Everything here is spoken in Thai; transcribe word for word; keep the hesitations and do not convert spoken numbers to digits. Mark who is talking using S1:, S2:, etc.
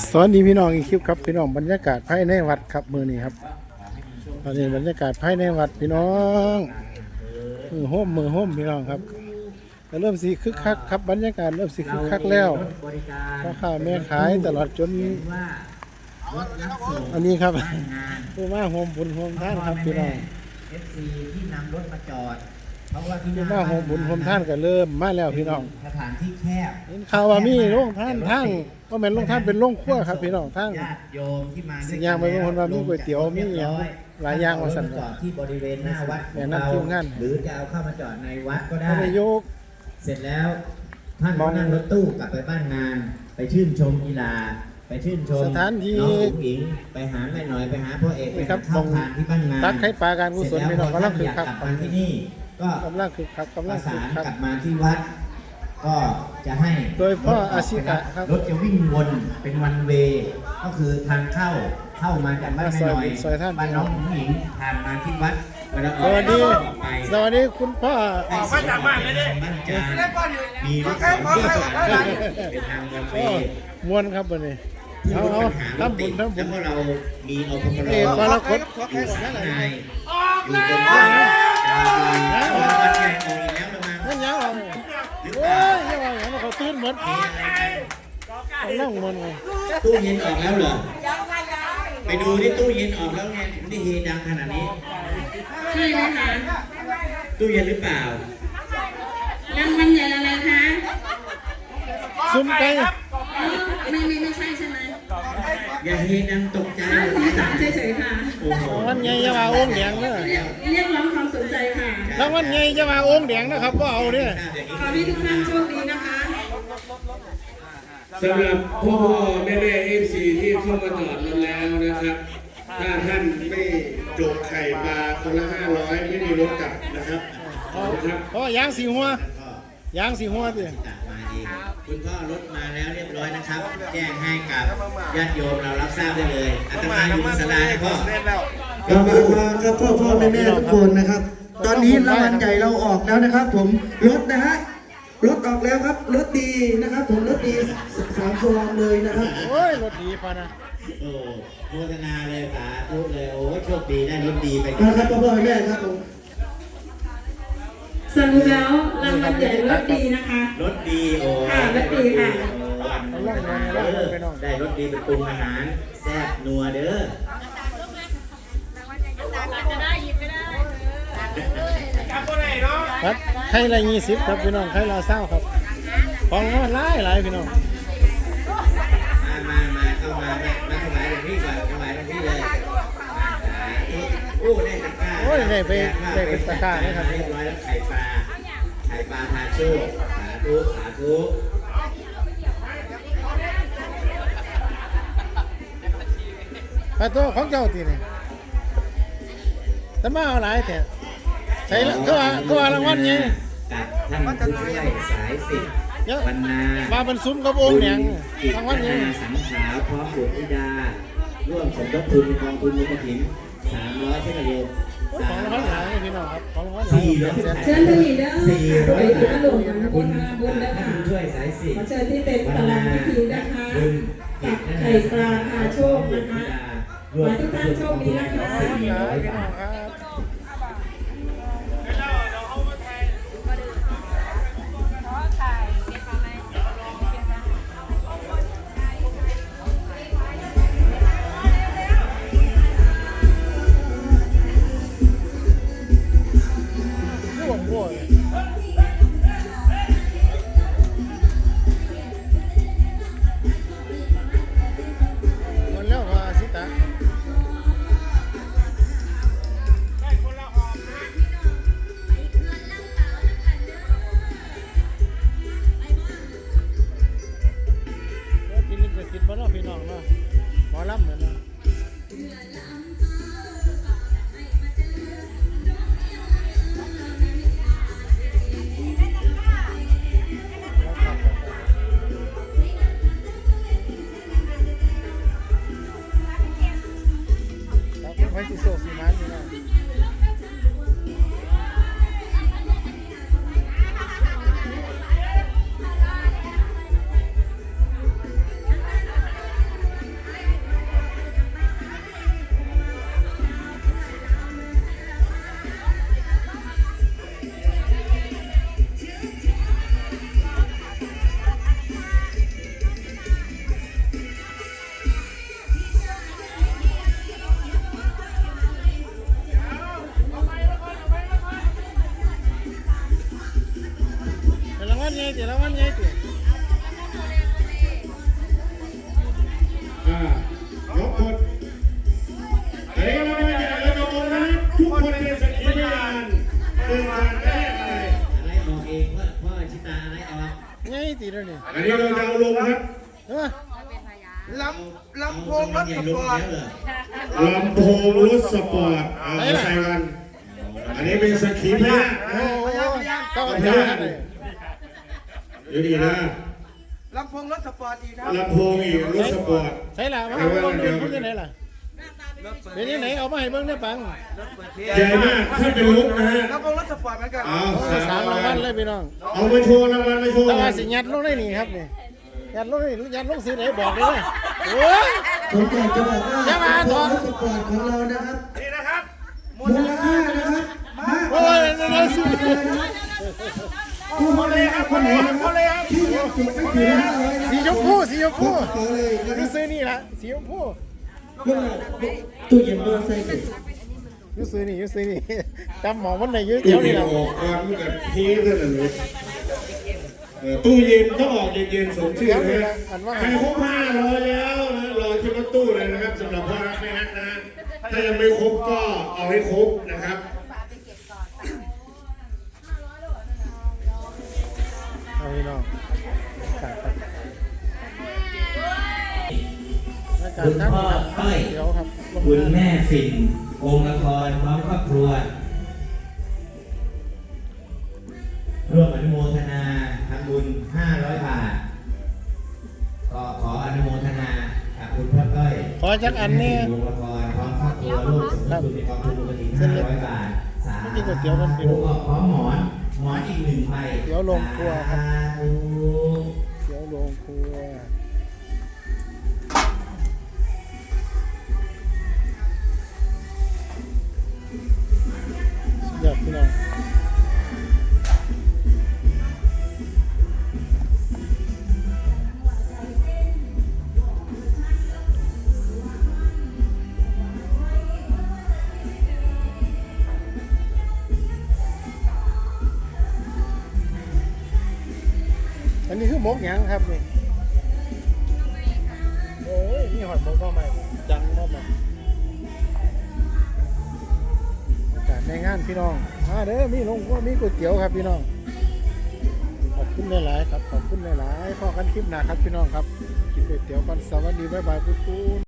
S1: สวัสดีพี่น้องอีกคลิปครับพี่น้องบรรยากาศภายในวัดครับมือนี้ครับตอนนี้บรรยากาศภายในวัดพี่น้องมือโฮมมือโฮมพี่น้องครับเริ่มสีคึกคักครับบรรยากาศเริ่มสีคึกคักแล้วพ่อค้าแม่ขายตลอดจนอันนี้ครับผู้มาโฮมบุญโฮมท่านครับพี่น้อง
S2: เอฟ ซี ที่นำรถมาจอดเพราะว่าที่
S1: ผู้มาโฮมบุญโฮมท่านก็เริ่มมาแล้วพี่น้อง
S2: สถานที่แคบ
S1: เห็นข่าวว่ามีโรงท่านทั้งก็แม่นโรงท่านเป็นโรงครัวครับพี่น้องทั้ง
S2: ญาติโยมที่มา
S1: สิ่งอย่างไปบางคนว่ามีก๋วยเตี๋ยวมีอย่างหลายอย่างมาสั่น
S2: จอดที่บริเวณหน้าวัด
S1: แนะนำทีมงาน
S2: หรือจะเอาเข้ามาจอดในวัดก็ได้
S1: ท่านนายก
S2: เสร็จแล้วท่านก็นั่งรถตู้กลับไปบ้านงาน ไปชื่นชมกีฬาไปชื่นชม
S1: สถานที่
S2: น้องอุ๋งอิงไปหาแม่หน่อยไปหาพ่อเอกไป
S1: ครั
S2: หา
S1: บ
S2: ข้าวทานที่บ้านงาน
S1: ตักให้ปลาการกุศลพี่น้องกำลังคึกคัก
S2: เสร็จแล้วพอท่านอยากกลับมาที่นี่ก็
S1: กำลังคึกคักกำ
S2: ป
S1: ลั
S2: ระ
S1: งคึ
S2: สาก น
S1: คัก
S2: กลับมาที่วัด ก็จะให้
S1: โดยพ่ออาชิตะครับ
S2: รถจะวิ่งวนเป็นวันเวย์ก็คือทางเข้าเข้ามาจากบ้านแม่หน่อย
S1: ซอยท่าน
S2: บ้านน้องผู้หญิงผ่านมาที่วัดเวลาอ
S1: ส
S2: อก
S1: วัสดี
S2: ออกไป
S1: สวัสดีคุณพ่อ
S2: ออกมาจากบ้านเลยดิบ้านจานมีรถสองที่ผ่านเป็นทางวันเว
S1: พ่อ
S2: ย์
S1: มวนครับวันนี้
S2: ที่
S1: เอา
S2: รถ
S1: เอา
S2: ปัญหารถ
S1: ทำบุ
S2: ติ
S1: ญ
S2: ด
S1: ทำบุญ
S2: แล้วก็เรามีอปพ
S1: เอกกรกฎ
S2: อยู่สามนายอยู่บนบ้านดาวดีวัดใหญ่ออกอีกแล้วละมั้ง
S1: นั่นยังเอา
S2: หรือ
S1: โอ้
S2: เปล่าย
S1: ยังไงอย่างนั้นเขาตื่นหมด
S2: มีอะไรกัน
S1: เขานั่งมันไง
S2: ตู้เย็นออกแล้วเหรอ ไปดูที่ตู้เย็นออกแล้วไงถึงได้เฮดังขนาดนี้
S3: ใช่ไหมคะ
S2: ตู้เย็นหรือเปล่าร
S3: างวัลใหญ่อะไรคะ
S1: ซุ่มไก่
S3: อ๋อไม่ไม่ไม่ใช่ใช่ไหม
S2: อย่าเฮดังตกใจ
S3: สร้างสีสันเฉยๆค่ะ
S2: โอ้โห
S1: วันไงจะมาโอ่งแดงเนอะ
S3: เรียกเรียกร้องความสนใจค่ะ
S1: แล้ววันไงจะมาโอ่งแดงนะครับก็เอาเนี่ย
S3: ขอให้ทุกท่านโชคดีนะคะ
S4: สำหรับพ่อพ่อแม่แม่เอฟซีที่เข้ามาจอดรถแล้วนะครับ ถ้าท่านไม่จกไข่ปลาคนละห้าร้อยไม่มีรถกลับนะครับนะครับ
S1: เพราะว่ายางสีหัว ยางสีหัวสิ
S2: จัดมาเองคุณพ่อรถมาแล้วเรียบร้อยนะครับ แจ้งให้กับญาติโยมเรารับทราบได้เลยอาตมาอยู่บนศาลานะพ่อ
S5: กลับมามาครับพ่อพ่อแม่แม่ทุกคนนะครับ ตอนนี้รางวัลใหญ่เราออกแล้วนะครับ ผมรถนะฮะรถออกแล้วครับรถดีนะครับ ผมรถดีสามซองเลยนะครับ
S1: โอ้ยรถดีพอนะ
S2: โอ้โมทนาเลยสาธุเลยโอ้โชคดีได้รถดีไป
S5: นะครับพ่อพ่อแม่แม่ครับผม
S3: สรุปแล้วรางวัลใหญ่รถดีนะคะ
S2: รถดีโอ้
S3: ค่ะรถดีค่ะ
S2: ได้รถดีเป็นปรุงอาหารแซ่บนัวเด้อ
S1: ครับไข่ละยี่สิบครับพี่น้องไข่ละเศร้าครับของมันหลายหลายพี่น้อง
S2: มามามาเข้ามามามาถวายหลวงพี่ก่อนถวายหลวงพี่เลยโอ้ได้ตะกร้า
S1: โอ้ยได้ไปได้เป็นตะกร้าเลยครับ
S2: เรียบร้อยแล้วไข่ปลาไข่ปลาทาโชคสาธุสาธุ
S1: ปลาตัวของเจ้าตีนี่แต่มาเอาหลายแต่ใช่ละก็ว่าก็ว่ารางวัลไง
S2: กับท่านผู้ช่วยสายสิบ
S1: เยอะ
S2: บรรณา
S1: มาเป็นซุ้มกับองค์แดง
S2: จิต
S1: รางวัลไง
S2: นาสังขาวพร้อมบุตรธิดา ร่วมสมทบทุนกองทุนมูลนิธิสามร้อยเช่นเดียว
S1: ของรางวัลหลายพี่น้องครับของรางวัลหลาย
S2: สี่ร้อย
S3: เชิญที่นี่เด้อ
S2: สี่ร้อย
S3: ไปที่หลวงนะบุญนะบุญนะ
S2: ท่า
S3: คะ
S2: นผู้ช่วยสายสิบ
S3: ขอเชิญที่เป็นประธานพิธีนะคะ
S2: บุญ
S3: กับไข่ปลาทาโชคนะคะขอให้ทุกท่านโชคดีนะคะ
S1: สี่ร้อยพี่น้องครับ ร่วงร่วงมันแล้วว่าสิตากินลิขสิทธิ์บ่เนาะพี่น้องเนาะหมอลำเหมือนเนาะครับไว้ที่โซซีมันนี่เนาะรางวัลใหญ่ติ
S4: อ่ายกคนอันนี้ก็ไม่ได้แล้วก็บอกนะทุกคนเป็นสักขีพยานเป็นการแรกเลย
S2: อะไรบอกเองว่าพ่อชิตาอะไรออก
S1: ใหญ่ติแล้วนี่
S4: อันนี้เราจะเอาลงครับ
S1: เออ
S2: ลำลำโพงรถสปอร์ต
S4: ลำโพงรถสปอร์ตเอาใส่กันอันนี้เป็นสักขีพยาน
S1: โอ้โหต้อง
S4: พ
S1: เอา
S4: ยา
S1: อย่างนั้นเลย
S4: อยู่ดีนะ
S2: ลำโพงรถสปอร์ตอีกครับ
S4: ลำโพงอีกรถสปอร์ต
S1: ใช่ล่ะมาเอาเบิ่งดูเป็นยังไงล่ะเป็นยังไงเอามาให้เบิ่งได้ปัง
S4: ใหญ่มากถ้าเป็นลุกนะฮะ
S2: ลำโพงรถสปอร์ตเหมือนกัน
S4: เอา
S1: โอ้สามรางวัลเลยพี่น้อง
S4: เอามาโชว์รางวัลมาโชว์
S1: แต่ว่าสิยัดลงได้นี่ครับนี่ยัดลงได้ยัดลงสีไหนบอกเลยนะโอ้ย
S5: ผมอยากจะบอกว่า
S1: อย่ามาถอด
S5: รถสปอร์ตของเรานะครับ
S2: นี่นะครับ
S5: มูลค่านะครับมาก
S1: โอ้ยนั่นๆสิ
S5: ผู้บริหารคนไหนนะครับที่ยังจุดไม่ถึงห้าร้อยนะ
S1: สีชมพูสีชมพู
S5: ขอเลยนะค
S1: ดู
S5: รับ
S1: ซื้อนี่ละสีชมพู
S5: เพื่อตู้เย็นตัวใส่เด็ก
S1: ดูซื้อนี่ดูซื้อนี่จำหมอมันไหนยืด
S4: ตู้
S1: เดี๋ยว
S4: เย็
S1: นี่
S4: น
S1: ละ
S4: ออกก่อนมันกับพีเท่านั้นเลยเออตู้เย็นต้องออกเย็นๆสมชื่อนะฮะใครครบห้าร้อยแล้วนะรอที่รถตู้เลยนะครับสำหรับพ่อรักแม่ฮักนะถ้ายังไม่ครบก็เอาให้ครบนะครับ
S1: เอาพี่น้องการครับการ
S6: คุณ
S1: ทั้ง
S6: พ่อ
S1: ครับ
S6: ต้อย
S1: เดี๋ยวครับลง
S6: คุณแม่ฝิ่นวงละครพร้อมครอบครัว ร่วมอนุโมทนาทำบุญห้าร้อยบาท ก็ขออนุโมทนากับคุณพ่อต้อย
S1: ขอจักอันนี้
S6: วงละครพร้อมครอบครัวร่วมสมทบทุนในกองทุนมูลนิธิห้าร้อยบาทสา
S1: ไม่กินก๋วยเตี๋ยวกันพี่
S6: ธุ
S1: น้อง
S6: ก็พร้อมหมอนหมอนอีกหนึ่งใบ
S1: เดี๋ยวลงครัวครับ
S6: สาธุ
S1: เดี๋ยวลงครัวสุดยอดพี่น้องอันนี้คือหมกหยังครับนี่โอ้ยนี่หอยหมกก็ใหม่จังมากอากาศในงานพี่น้องมาเด้อมีลงว่ามีก๋วยเตี๋ยวครับพี่น้องขอบคุณหลายๆครับขอบคุณหลายๆพอกันคลิปหน้าครับพี่น้องครับกินก๋วยเตี๋ยวกันสวัสดีบ๊ายบายปุ๊บ